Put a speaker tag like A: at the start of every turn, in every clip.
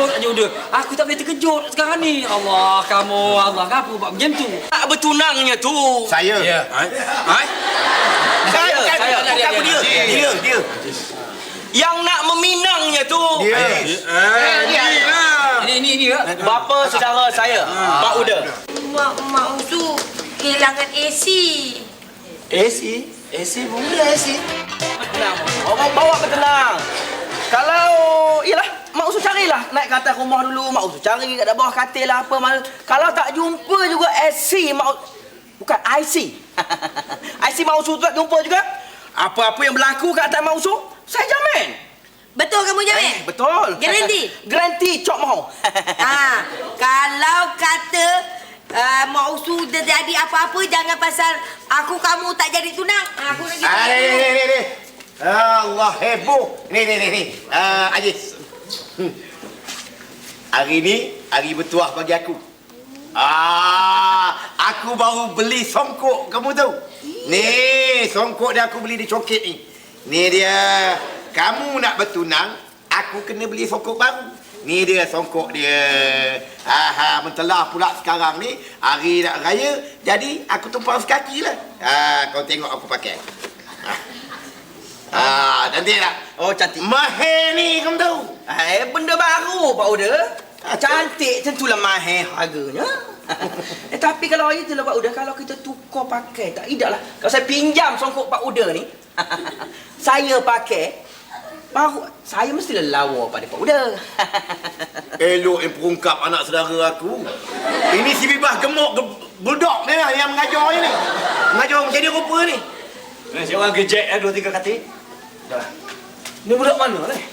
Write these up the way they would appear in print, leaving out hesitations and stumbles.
A: terkejut aja udah. Aku tak boleh terkejut sekarang ni. Allah, kamu, Allah, apa buat macam tu?
B: Tak bertunangnya tu.
C: Saya.
A: Ya.
B: Saya.
C: Bukan dia. Dia.
B: Yang nak meminangnya tu.
C: Dia.
A: Ini ya.
B: Bapa saudara saya, Pak Uda.
D: Mak Usu kehilangan AC.
C: AC boleh AC.
B: Tenang. Orang bawa ke tenang. Kalau, ialah, Mak Usu carilah. Naik ke atas rumah dulu, Mak Usu cari kat bawah katil lah apa. Kalau tak jumpa juga AC, bukan IC. IC Mak Usu tak jumpa juga. Apa-apa yang berlaku kat atas Mak Usu, saya jamin.
D: Betul kamu jamin?
B: Betul.
D: Garanti?
B: Garanti cok mau.
D: Kalau kata Mak Usu terjadi apa-apa, jangan pasal aku kamu tak jadi tunang. Aku nak gitu.
C: Ni. Allah heboh. Ni. Aziz. Hari ni hari bertuah bagi aku. Aku baru beli songkok, kamu tahu? Ni songkok dia aku beli di coket ni. Ni dia. Kamu nak bertunang, aku kena beli songkok baru. Ni dia songkok dia. Mentelah pula sekarang ni hari nak raya, jadi aku tumpang sekaki lah. Kau tengok aku pakai. Cantik tak?
B: Oh, cantik.
C: Mahir ni kamu tahu?
B: Benda baru Pak Uda. Cantik tentulah mahir harganya. Tapi kalau itulah Pak Uda, kalau kita tukar pakai, tak idaklah. Kalau saya pinjam songkok Pak Uda ni, saya pakai, baru saya mestilah lawa pada Pak Uda.
C: Elok yang perungkap anak saudara aku. Ini si Bibah gemuk budak ni lah yang mengajar ni. Mengajar menjadi rupa ni.
A: Si orang gejek 2-3 katil.
B: Dah. Ni budak mana ni?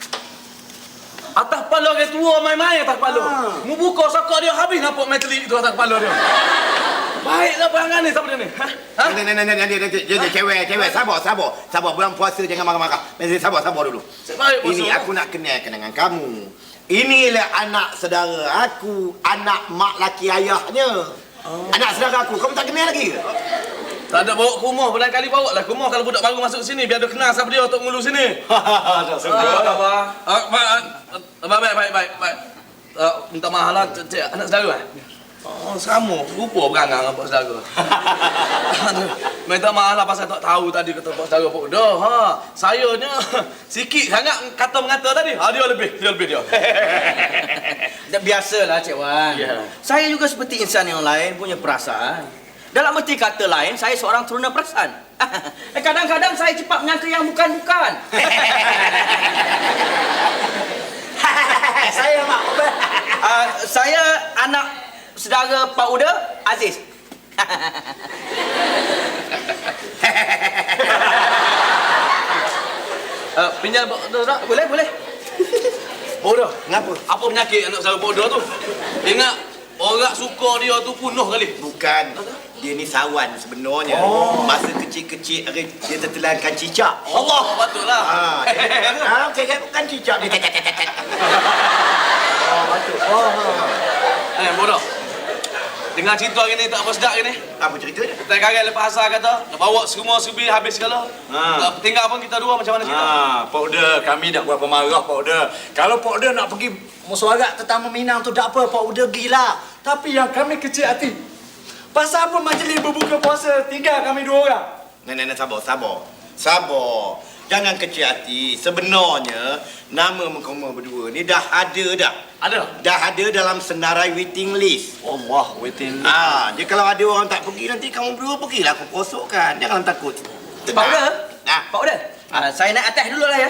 B: Atas kepala orang tua main-main atas kepala. Mu buka sokak dia habis nampak metalik tu atas kepala dia. Baiklah perangan ni siapa dia ni?
C: Nanti cewek sabar bulan puasa jangan marah-marah. Sabar dulu.
B: Baik puasa.
C: Ini aku nak kenalkan dengan kamu. Inilah anak saudara aku, anak mak laki ayahnya. Anak saudara aku, kamu tak kenal lagi ke?
B: Tak ada bawa ke rumah, barang kali bawa lah ke rumah kalau budak baru masuk sini biar dia kenal siapa dia untuk ngulu sini.
A: Tak sangka.
B: Baik. Minta maaf lah, anak saudara. Oh, sama. Rupa berangan dengan pak saudara. Minta maaf lah pasal tak tahu tadi kata pak saudara Pak Uda. Sayanya sikit sangat kata-mengata tadi. Dia lebih dia. Biasalah Cik Wan. Yeah. Saya juga seperti insan yang lain punya perasaan. Dalam erti kata lain, saya seorang teruna perasaan. Kadang-kadang saya cepat menyangka yang bukan-bukan.
C: Saya mak.
B: Saya anak saudara Pak Uda, Aziz. Pinjam Pak Uda tak? Boleh? Pak Uda,
C: Kenapa?
B: apa penyakit anak saudara Pak Uda tu? Ingat, orang suka dia tu punuh kali.
C: Bukan. Dia ni sawan sebenarnya. Masa kecil-kecil dia tertelankan cicak.
B: Allah, patutlah.
C: Bukan cicak. Patut.
B: Bodoh. Dengar cerita hari ni tak apa sedap hari ni.
C: Apa ceritanya?
B: Tak kaget lepas asal kata, nak bawa semua serbi habis segala. Tak tinggal pun kita dua macam mana cerita?
A: Pak Uda, kami tak berapa marah Pak Uda. Kalau Pak Uda nak pergi mesuarat tentang meminang tu tak apa, Pak Uda gila. Tapi yang kami kecil hati. Pasal apa majlis berbuka puasa tinggal kami 2 orang?
C: Nenek sabar. Jangan kecil hati. Sebenarnya nama kamu berdua ni dah ada dah.
B: Ada?
C: Dah ada dalam senarai waiting list.
A: Allah, waiting.
C: Jadi kalau ada orang tak pergi nanti kamu berdua pergilah aku kosokkan. Jangan takut.
B: Pak Uda? Pak Uda? Saya naik atas dulu lah ya.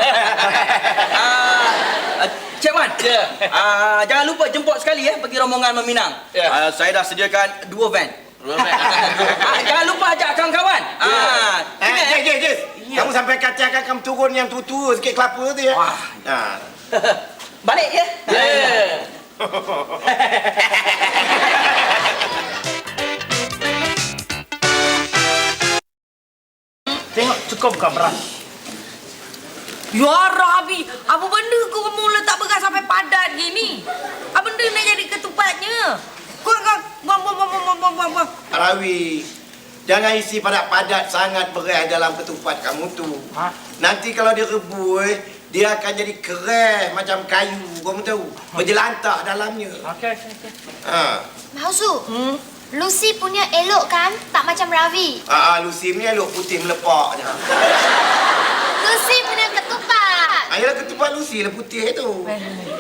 B: Cik Wan, jangan lupa jemput sekali ya pergi rombongan meminang. Saya dah sediakan 2 van. Jangan lupa ajak kawan-kawan.
C: Jess. Kamu sampai katakan kamu turun yang tua-tua sikit kelapa tu ya.
B: Balik ya.
A: Tengok cukup bukan beras.
D: Ya Rabbi, apa benda kau kamu letak beras sampai padat gini? Apa benda nak jadi ketupatnya? Kau buang.
C: Rawi, jangan isi padat-padat sangat beras dalam ketupat kamu tu. Nanti kalau dia rebus, Dia akan jadi keras macam kayu. Kamu tahu? Berjelantah dalamnya.
B: Okey.
C: Ha.
E: Mausu, Lucy punya elok kan? Tak macam Ravi.
C: Lucy ni elok putih melepaknya.
E: Lucy punya ketupat.
C: Ayolah ketupat Lucy lah putih tu.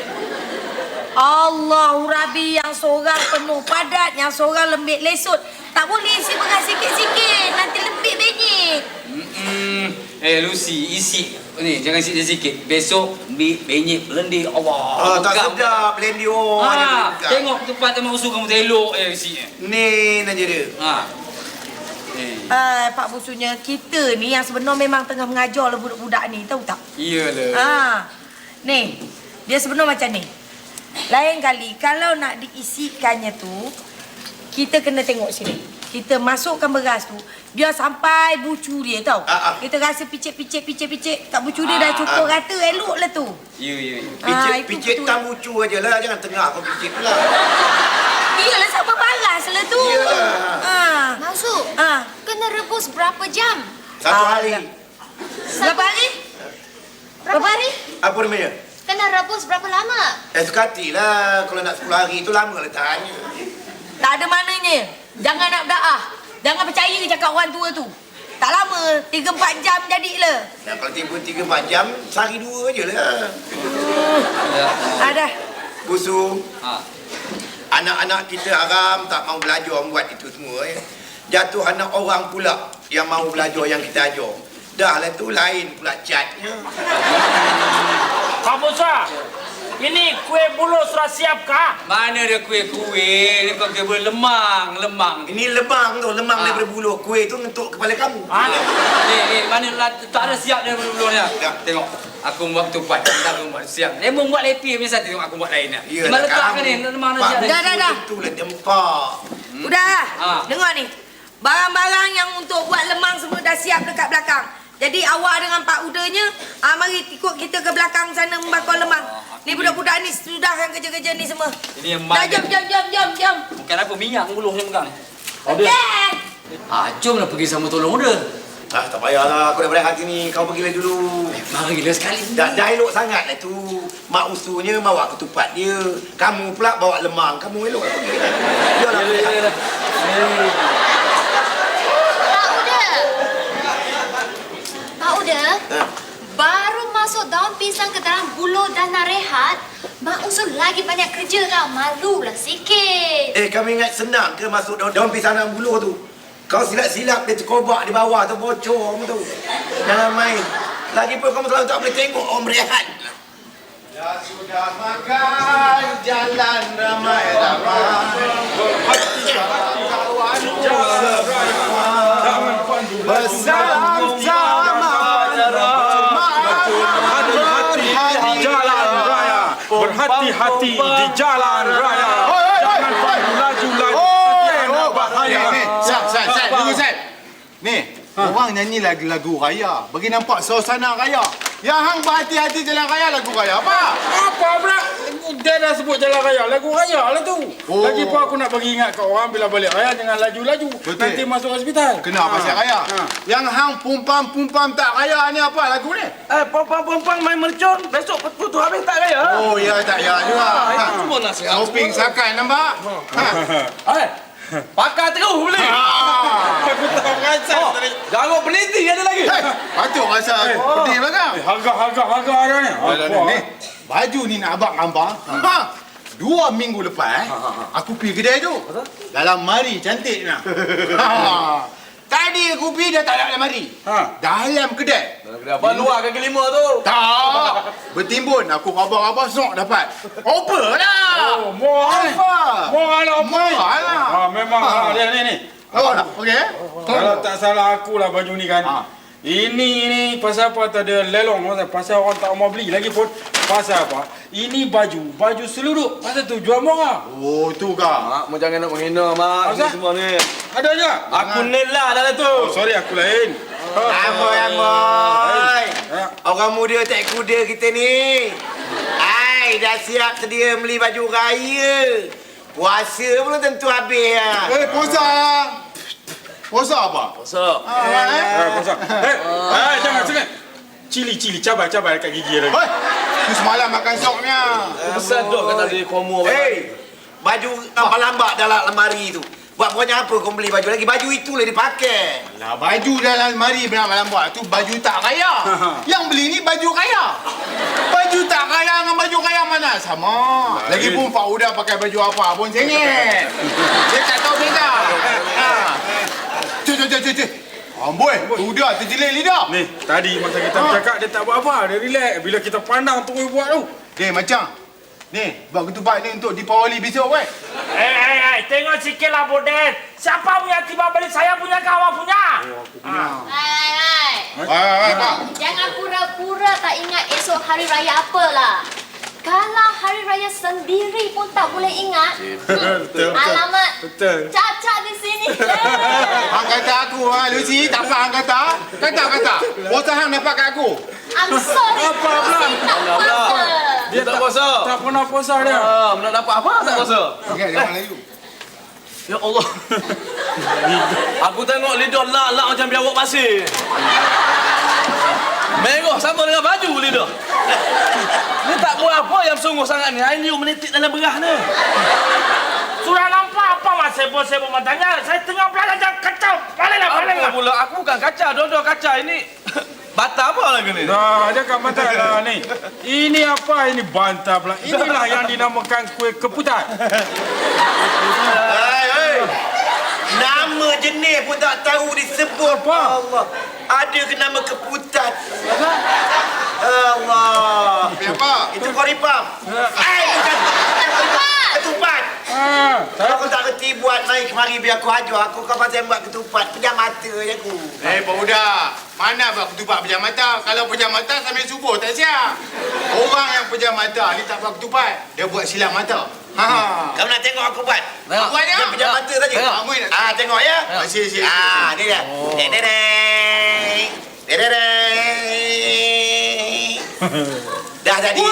D: Allah, Rabi yang seorang penuh padat, yang seorang lembik lesut. Tak boleh isi beras sikit-sikit, nanti lembik benyek.
F: Lucy, isi ni jangan sikit-sikit. Besok benyek lendir Allah.
C: Tak sedap blender orang.
F: Tengok tempat tempat usul kamu elok isi.
C: Ni aja dia.
D: Pak Busunya, kita ni yang sebenar memang tengah mengajar lah budak-budak ni, tahu tak?
F: Iyalah.
D: Ni, dia sebenar macam ni. Lain kali, kalau nak diisikannya tu, kita kena tengok sini. Kita masukkan beras tu, dia sampai bucu dia tau. Kita rasa picit kat bucu dia dah cukup rata, elok lah tu.
F: Ya.
C: Picit tang bucu aja lah, jangan tengah kau picit pula.
D: Iyalah, sama paras lah tu.
E: Mausu, kena rebus berapa jam?
C: 1 hari.
D: Berapa hari?
E: Berapa hari?
C: Apa namanya?
E: Kena rebus berapa lama?
C: Sekati lah. Kalau nak 10 hari tu lama lah tanya.
D: Tak ada maknanya. Jangan nak berdaah. Jangan percaya ke cakap orang tua tu. Tak lama, 3-4 jam jadilah.
C: Nah, kalau tempoh 3-4 jam, sehari 2 je lah.
D: Ada.
C: Busu. Anak-anak kita haram tak mau belajar buat itu semua. Jatuh anak orang pula yang mau belajar yang kita ajar. Dah lah tu lain pula catnya.
B: Pak Musa, ini kue bulu sudah siap kah?
F: Mana dia kuih-kuih? Ni kau kira lemang.
C: Ini lemang tu, lemang daripada buluh. Kuih tu ngentuk kepala kamu.
F: Ni mana tak ada siap daripada buluhnya. Tengok, aku buat ketupat, aku buat siap. Dia buat lepi biasa tengok aku buat lainnya. Mana letakkan ni lemang dah siap.
D: Dah.
C: Itulah dempak.
D: Udah. Dengar ni. Barang-barang yang untuk buat lemang semua dah siap dekat belakang. Jadi awak dengan Pak Udanya, mari ikut kita ke belakang sana membakar lemang. Ni budak-budak ni sudahkan kerja-kerja ni semua.
F: Ini yang
D: dah, jom.
F: Bukan apa, minyak buluh yang pegang.
D: Okey.
F: Jomlah pergi sama tolong dia.
C: Tak payahlah, aku dah berehat sini. Kau pergilah dulu.
F: Mari gila sekali.
C: Dah elok sangat lah tu. Mak usunya bawa ketupat dia. Kamu pula bawa lemang. Kamu elok lah pergi. Yalah.
E: Pak Uda, baru masuk daun pisang ke dalam buluh dan nak rehat, Mak Usul lagi banyak kerja tau. Malulah sikit.
C: Kami ingat senang ke masuk daun pisang dalam buluh tu? Kau silap-silap dia terkobak di bawah tu, bocor kamu tu. Jangan main. Lagipun kamu selalu tak boleh tengok orang berehat. Ya sudah makan, jalan ramai-ramai.
G: Berhati-hati di jalan raya. Jangan laju-laju. Nak bahaya.
H: Sat, tunggu Sat. Ni, orang nyanyi lagu raya. Bagi nampak suasana raya. Yang hang berhati-hati jalan raya lagu raya apa?
G: Apa pula? Dia dah sebut jalan raya. Lagu raya lah tu. Lagipun aku nak bagi ingat kat orang bila balik raya jangan laju-laju. Nanti masuk hospital.
H: Kena pasal raya. Yang hang pumpam tak raya ni apa lagu ni?
B: Pompang main mercon. Besok putus habis tak raya.
H: Oh, ya tak ya juga.
B: Cuma nasihat.
H: Shopping sakai nampak?
B: Pakar terus beli.
G: Aku tak perasan tadi.
B: Jangan peniti ada lagi.
H: Patut rasa pedih belakang.
G: Harga ada ni.
H: Ni, baju ni nak abang gambar. 2 minggu lepas, aku pergi kedai tu. Dalam mari cantik nak. Tadi aku pergi dah tak ada dalam mari. Dalam kedai.
B: Abang luar kaki 5 tu.
H: Tak. Bertimbun. Aku rabah-rabah sok dapat. Oper lah.
G: Oh, murah lah.
H: Murah lah.
G: Memang dia ni.
H: Awak nak? Okey?
G: Kalau tak salah aku lah baju ni kan. Ini pasal apa tak ada lelong. Pasal orang tak mau beli lagi pun. Pasal apa? Ini baju seluduk. Pasal tu jual murah.
H: Oh, tu kah?
B: Mak, jangan nak menghina mak. Ini semua ni.
G: Ada je.
B: Aku nelah dalam tu.
G: Sorry aku lain.
C: Amboi. Orang muda tak kuda kita ni. Dah siap sedia beli baju raya. Puasa belum tentu habis lah.
H: Puasa. Puasa apa?
B: Puasa.
G: Puasa. Jangan. Cili-cili cabai-cabai kat gigi lagi.
H: Hoi, tu semalam makan soknya.
B: Besar dok kata dia komo.
C: Hei, baju nampak lambak dalam lemari tu. Buat pokoknya apa kau beli baju lagi? Baju itulah dipakai.
H: Lah baju dalam lemari benar malam buat tu baju tak kaya. Yang beli ni baju kaya. Baju tak kaya dengan baju kaya mana sama. Lagipun Pak Uda pakai baju apa pun sengit. Dia tak tahu beza. Cik. Amboi, Uda terjelit lidah.
G: Ni, tadi masa kita bercakap dia tak buat apa. Dia relax. Bila kita pandang terus buat tu.
H: Macam ni, buat ketupat ni untuk Deepawali besok weh.
I: Tengok sikit lah Bodet. Siapa punya tiba beli saya punya ke awak punya?
E: Hai. Jangan pura-pura tak ingat esok hari raya apalah. Kalau hari raya sendiri pun tak boleh ingat.
G: Betul.
E: Alamat
G: Betul.
E: Caca di sini.
H: Hang kata aku, Lucy, tak apa hang kata? Kata. Otak hang dapat kat aku.
E: I'm sorry.
G: Apa pula?
E: Tak apa.
B: Dia tak puasa.
G: Tak pernah puasa dia.
B: Nak dapat apa tak puasa?
H: Okey, jangan lagi.
B: Ya Allah. Aku tengok lidah lak-lak macam biawak pasir. Merah sama dengan baju lidah. Ni tak buat apa yang sungguh sangat ni. Air liu menitik dalam berah ni.
I: Sudah nampak apa mas sibuk-sibuk matanya? Saya tengah belajar jangan kacau. Baliklah.
B: Apa pula? Aku bukan kaca, dodol kaca ini. Bata apa lagi ni?
G: Dah, cakap bantah lah ni. Ini apa? Ini bantah pula. Inilah yang dinamakan kuih keputan.
C: Hei. Nama jenis pun tak tahu disebut.
G: Apa?
C: Allah. Ada ke nama keputan? Allah.
H: Apa?
C: Itu koripam. Bukan. Ketupat. Aku tak reti buat naik kemari biar aku ajar. Aku kau pasal buat ketupat. Pejam mata je aku.
H: Pak Uda, mana buat ketupat pejam mata? Kalau pejam mata sambil subuh tak siap. Orang yang pejam mata ni tak buat ketupat. Dia buat silap mata.
C: Kau nak tengok aku buat?
B: Tengok.
H: Buat
C: Dia pejam mata saja.
H: Tengok.
C: Tengok ya.
H: Sini.
C: Ni dia. Dedeng. Dah jadi.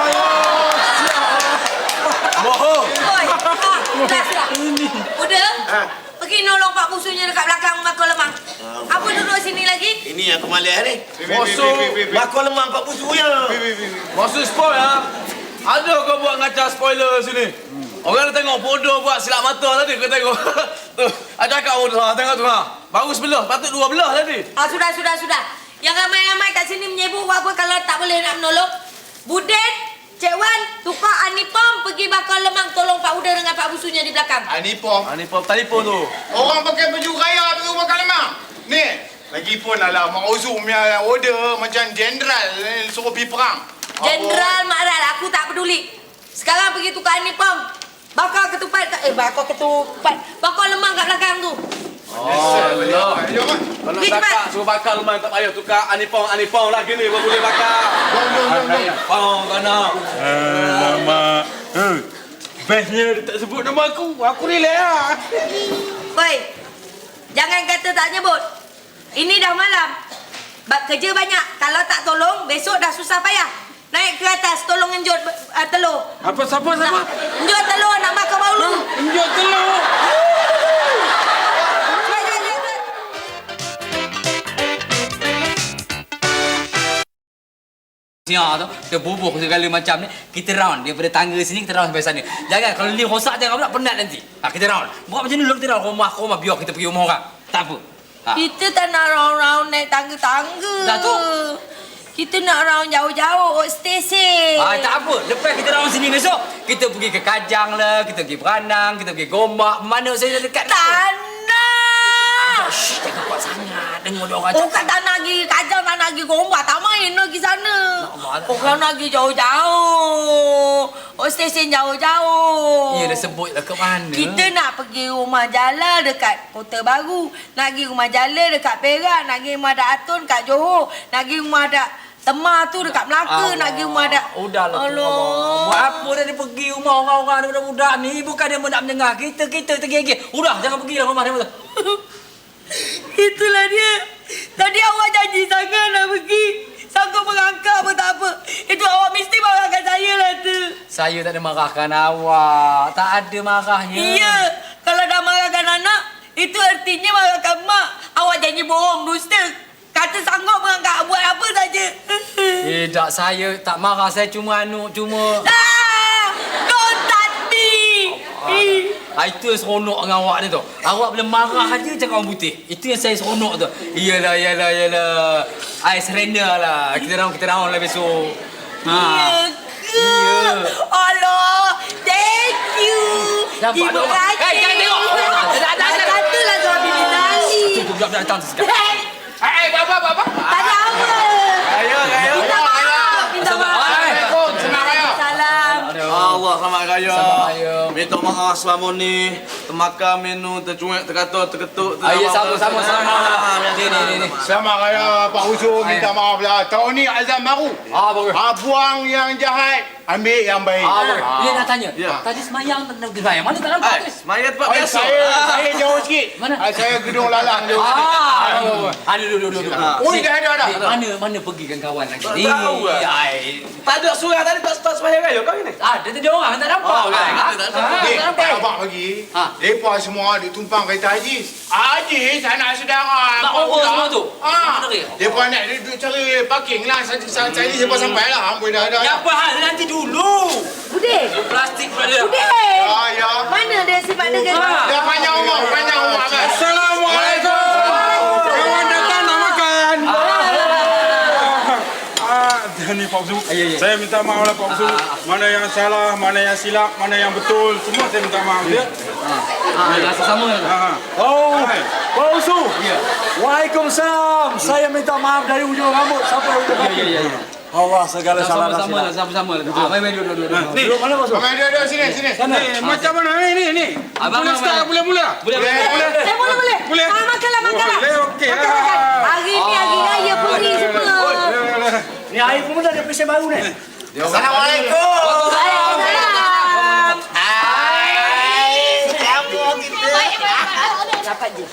B: Bohong.
D: Oi, dah. Udah? Pergi nolong Pak Busunya dekat belakang bakul lemang. Apa duduk sini lagi?
C: Ini aku malas ni.
B: Bosok.
C: Bakul lemang Pak Busu ya.
B: Masuk spoil ya. Ada kau buat ngaca spoiler sini. Orang dah tengok bodoh buat silap mata tadi. Kau tengok. Tu, ada kat bodoh. Tengok tu ha. Baru sebelah. Patut dua belah tadi.
D: Sudah. Yang ramai-ramai kat sini menyebut apa kalau tak boleh nak menolong. Budet, Cik Wan, tukar Anipom pergi bakal lemang tolong Pak Uda dengan Pak Busunya di belakang.
H: Anipom.
B: Telefon tu.
H: Orang pakai baju kaya tu makan lemak. Ni, lagipun ala Mak Uzum punya order macam jenderal suruh pergi perang.
D: Jenderal Makral, aku tak peduli. Sekarang pergi tukar Anipom. Bakal ketupat, bakal lemang kat belakang tu.
B: Allah.
H: Jom.
B: Kalau cakap suruh bakar rumah tak payah tukar Anipong lagi ni baru boleh bakar. Anipong kena.
G: Alamak. Bestnya dia tak sebut nama aku. Aku relax lah.
D: Woi, jangan kata tak nyebut. Ini dah malam. Kerja banyak. Kalau tak tolong, besok dah susah payah. Naik ke atas, tolong enjut telur.
G: Apa siapa?
D: Enjut telur, nak makan baulu.
G: Enjut telur.
F: Siap tu, dia bubuh segala macam ni. Kita round daripada tangga sini kita round sampai sana. Jangan kalau lift rosak jangan pula penat nanti. Kita round. Buat macam ni dulu kita round rumah biar kita pergi rumah orang. Tak apa.
D: Kita tak nak round-round naik tangga-tangga.
F: Dah tu.
D: Kita nak round jauh-jauh, stesen.
F: Tak apa. Lepas kita round sini besok, kita pergi ke Kajang lah, kita pergi Beranang, kita pergi Gombak. Mana saya dekat ni?
D: Tak nak.
F: Shh, jangan buat sangat. Dengar dia orang
D: Bukan tak nak pergi Kajang, tak nak pergi Gombak. Tak main nak pergi sana. Orang nak pergi jauh-jauh. Stesen jauh-jauh.
F: Ya, dah sebut lah ke mana.
D: Kita nak pergi rumah Jala dekat Kota Baru. Nak pergi rumah Jala dekat Perak. Nak pergi rumah Dak Atun kat Johor. Nak pergi rumah Dak Temah tu dekat Melaka. Nak pergi rumah Dak...
F: Udahlah tu. Buat apa dah dia pergi rumah orang-orang daripada budak ni. Bukan dia nak mendengar. Kita tergigit. Udah, jangan pergi lah rumah dia.
D: Itulah dia. Tadi awak janji sangat nak pergi. Sangka merangkak pun tak apa. Itu awak mesti marahkan saya lah tu.
F: Saya tak ada marahkan awak. Tak ada marahnya.
D: Iya. Kalau dah marahkan anak, itu artinya marahkan mak. Awak janji bohong, dusta. kata sanggup mengangkat buat apa saja.
F: Tak, saya tak marah. Saya cuma
D: Don't touch me.
F: Itu yang seronok dengan awak ni tu. Awak boleh marah aja cakap orang putih. Itu yang saya seronok tu. Iyalah. I surrender lah. Kita round lah besok.
D: Ya. Allah, thank you.
F: Nampak
D: Terima
F: tak?
D: kasih.
F: Hei, jangan tengok.
D: Katalah suami dia nari.
F: Tunggu, datang sekejap.
H: Bapa.
D: Tak ada apa. Minta maaf. Minta maaf.
H: Assalamualaikum. Senang raya.
D: Salam.
B: Allah selamat raya.
F: Selamat raya.
B: Minta maaf selama ni termakan minum, tercuek, terkata, terketuk.
F: Ya, sama-sama. Ni.
H: Selamat raya Pak Usul. Minta maaf lah. Tahun ni azam baru.
F: Bagus.
H: Buang yang jahat, ambil yang baik.
F: Bagus. Dia nak tanya.
B: Ya.
F: Tadi semayang mana tak nampak tu?
B: Maya tempat biasa.
H: Saya jauh sikit.
F: Mana?
H: Saya gedung lalang jauh.
F: Duduk.
H: Oi, dah.
F: Mana pergikan kawan lagi?
B: Tak tahu lah. Tak ada surah tadi tak sembahyang raya kau ni.
F: Dia tadi orang tak nampak.
H: Abang bagi. Mereka semua ditumpang kereta Hajiz. Hajiz, anak saudara.
F: Nak over semua tu?
H: Mereka nak duduk cari parking lah. Saya ni sampai lah. Amboi dah.
F: Apa hal nanti dulu?
D: Budek.
F: Plastik pula dia.
D: Budek.
H: Ya.
D: Mana dia sifat dia?
H: Dah panjang umur kan.
G: Assalamualaikum. Kawan datang nak makan. Ni Pak Usu. Saya minta maaf lah Pak Usu. Mana yang salah, mana yang silap, mana yang betul, semua saya minta maaf ya.
F: Sama.
A: Pak Usu. Waalaikumsalam. Saya minta maaf dari ujung rambut sampai ujung kaki.
F: Ya.
A: Allah segala salah dan silap.
F: Sama-sama. Mari duduk.
A: Duduk mana Pak Usu?
H: Duduk sini.
G: Macam mana ni? Boleh start boleh.
F: Boleh.
D: Boleh. Makanlah.
G: Boleh okey.
D: Makan. Hari ni hari raya puri semua.
A: Ni air pun dah ada pesen baru ni.
C: Assalamualaikum.
D: Waalaikumsalam.
C: Kamu kita.
D: Dapat je.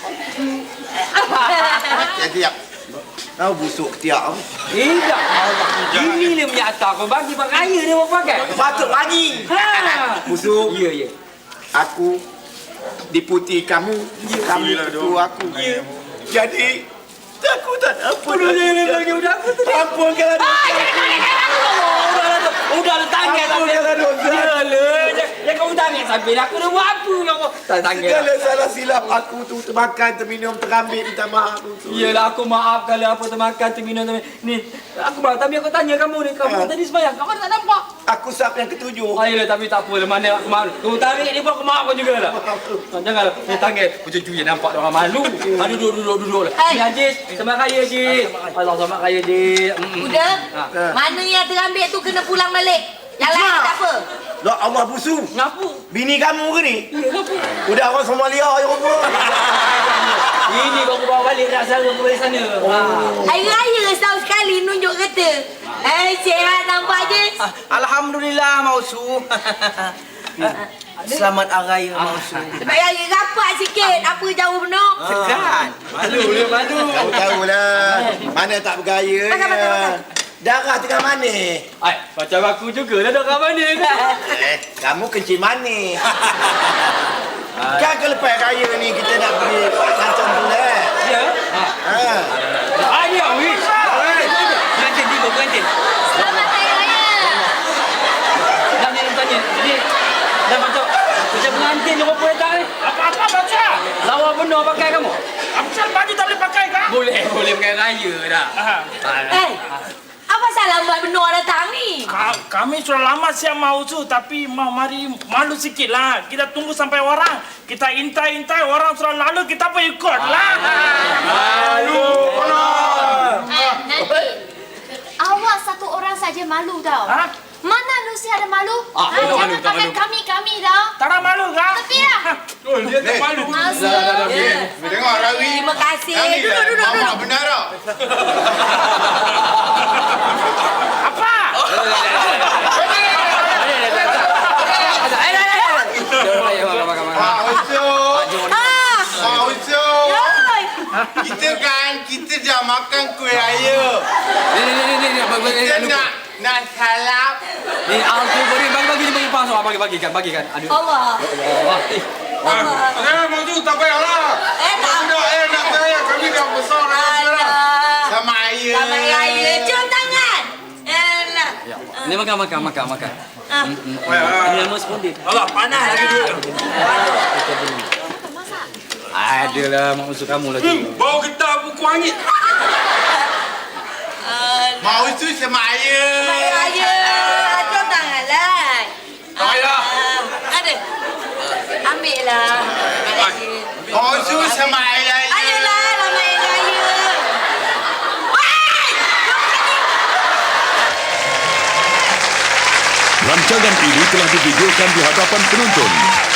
C: Siap. Kau busuk ketiak.
F: Tidak. Ini dia punya atas. Kau bagi raya dia mau pakai.
C: Patut bagi. Busuk.
F: Ya.
C: Aku deputi kamu. Kamu ketua aku. Jadi aku tak apa. Ampunkanlah
F: Udah tangan sampai. Jangan kau tangan sampai. Aku dah buat apa kau? Tak tangan.
C: segala salah silap aku tu termakan, terminum, terambil. Minta maaf.
F: Iyalah aku maaf kalau apa termakan, terminum. Ni aku maaf tapi aku tanya kamu ni. Kamu tadi sembahyang. Kamu tak nampak.
C: Aku sap yang ketujuh.
F: Ayolah tapi tak apa. Mana aku maaf. Kamu tarik ni pun aku maaf kau jugalah. Janganlah. Ni tangan. Macam cuy nampak orang malu. Duduk. Ni Hajiz. Selamat raya Hajiz. Allah selamat raya Hajiz.
D: Udah. Mana yang terambil tu kena pulang balik. Yang lain tak apa.
C: Lah Allah busu.
F: Ngapa?
C: Bini kamu ke ni?
F: Ya ngapa?
C: Udah orang Somalia je rupa.
F: Ini kau bawa balik nak sara ke balik sana.
D: Hari raya setahun sekali nunjuk kereta. Sihat nampak je.
B: Alhamdulillah Mausu. Selamat hari raya Mausu.
D: Sebab raya rapat sikit. Apa jauh benar?
B: Segan. Malu.
C: Kau tahulah. Mana tak bergaya.
D: Makan.
C: Darah tengah manis.
F: Macam aku jugalah dah kat mana kan.
C: Kamu kencing manis. Kan ke lepas raya ni kita nak pergi Sancan Bulat.
F: Ya. Dia wis. Pengantin tiba pengantin.
E: Selamat Hari Raya.
F: Dah ni tanya. Ni dah macam pengantin dia apa datang ni?
I: Apa baca?
F: Lawa benar pakai kamu?
I: Apasal baju tak boleh pakai kah?
F: Boleh pakai raya dah.
D: Apa salah buat benar datang ni?
I: Kami sudah lama siap mau tu tapi mari malu sikit lah. Kita tunggu sampai orang. Kita intai orang sudah lalu kita pun ikut lah.
G: Malu.
E: Nanti awak satu orang saja malu tau. Mana Lucy ada malu? Jangan pakai kami dah.
I: Tak ada malu kah?
E: Tepi lah.
G: Dia tak malu.
E: Masuk.
H: Tengok Rawi.
D: Terima kasih.
H: Yang ni
D: Duduk.
H: Mama benar tak?
I: Apa?
H: Pak Usul. Pak Usul. Kita dah makan kuih raya. Kita nak salap.
F: Ni aku bagi pas bagikan. Aduh.
D: Allah.
G: Mausu tak payahlah.
D: Tak.
G: Nak saya kami dah besar dah sekarang.
H: Sama Raya.
D: Selamat Raya. Cium tangan. Alah.
F: Ni makan.
D: Ah.
F: Ini nama spontan.
A: Allah, panas lagi dulu.
F: Adalah mak usul kamu lagi.
G: Bau getah buku angin.
H: Mak usul sama ayah.
D: Selamat Raya. Cium tangan lah.
G: Raya.
D: Ada. Ambil lah.
H: Mak usul sama ayah.
D: Ayolah, Selamat Raya.
J: Rancangan ini telah divideokan di hadapan penonton.